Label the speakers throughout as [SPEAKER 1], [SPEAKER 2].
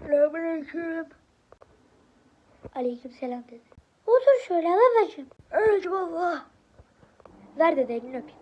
[SPEAKER 1] Selamünaleyküm.
[SPEAKER 2] Aleykümselam dedi. Otur şöyle babacığım.
[SPEAKER 1] Evet baba.
[SPEAKER 2] Ver dede elini öpeyim.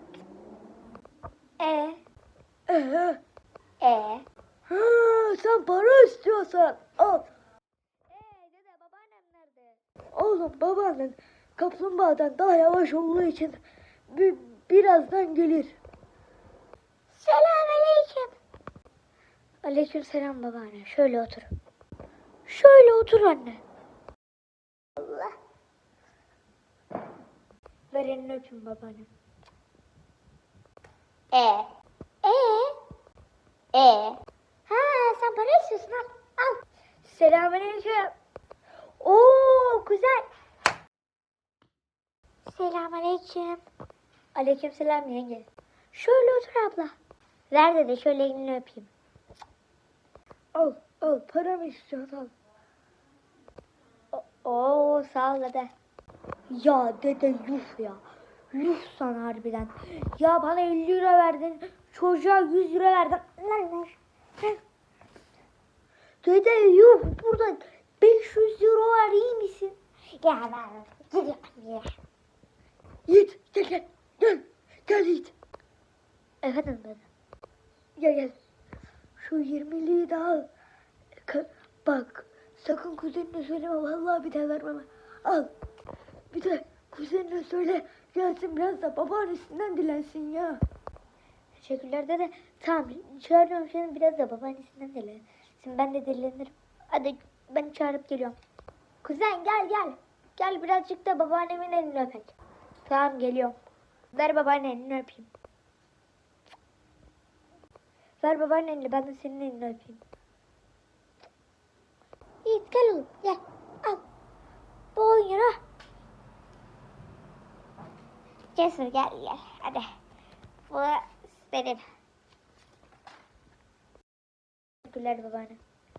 [SPEAKER 1] Ee,
[SPEAKER 2] E.
[SPEAKER 1] ha, sen para istiyorsan al.
[SPEAKER 2] Dede babaannem nerede?
[SPEAKER 1] Oğlum babaannen kaplumbağadan daha yavaş olduğu için birazdan gelir.
[SPEAKER 2] Selamünaleyküm. Aleykümselam babaanne. Şöyle otur. Şöyle otur anne. Allah. Ver elini öpeyim babaannem. Ha sen para istiyorsun al. Al. Selamünaleyküm. Oo güzel. Selamünaleyküm. Aleykümselam yenge. Şöyle otur abla. Ver dede şöyle elini öpeyim.
[SPEAKER 1] Al paramı istiyorsan al.
[SPEAKER 2] Oo sağ ol dede.
[SPEAKER 1] Ya dede yuh ya.
[SPEAKER 2] Yuh sana harbiden. Ya bana 50 lira verdin. Çocuğa 100 lira verdin. Lan.
[SPEAKER 1] Dede yuh burada 500 euro var, iyi misin?
[SPEAKER 2] Ya ben gidiyorum ya.
[SPEAKER 1] Yiğit gel Yiğit.
[SPEAKER 2] Efendim dede.
[SPEAKER 1] Gel. Şu 20'liği de al. Bak sakın kuzenine söyleme, vallahi bir daha vermem. Al. Bir de kuzenine söyle gelsin biraz da babaannesinden dilensin ya.
[SPEAKER 2] Teşekkürler dede. Tamam çağırıyorum seni biraz da babaannesinden dile. Şimdi ben de dilenirim. Hadi ben çağırıp geliyorum. Kuzen gel. Gel birazcık da babaannemin elini öpek. Tamam geliyorum. Ver babaannenin elini öpeyim. Ver babaannenin elini ben de senin elini öpeyim. Yiğit gel oğlum gel. Al. Bu 10 euro. Cesur gel. Hadi. Bu senin. Teşekkürler babaanne.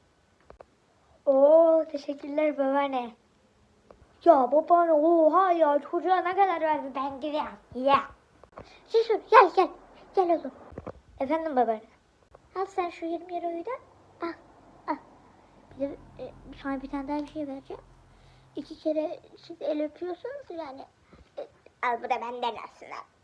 [SPEAKER 2] Oo teşekkürler babaanne. Ya babaanne oha ya çocuğa ne kadar verdi ben gidiyorum. Ya. Cesur gel. Gel oğlum. Efendim babaanne. Al sen şu 20 euroyu da al. Bir de sana bir tane daha bir şey vereceğim. 2 kere siz el öpüyorsunuz yani. Al bu da benden aslında.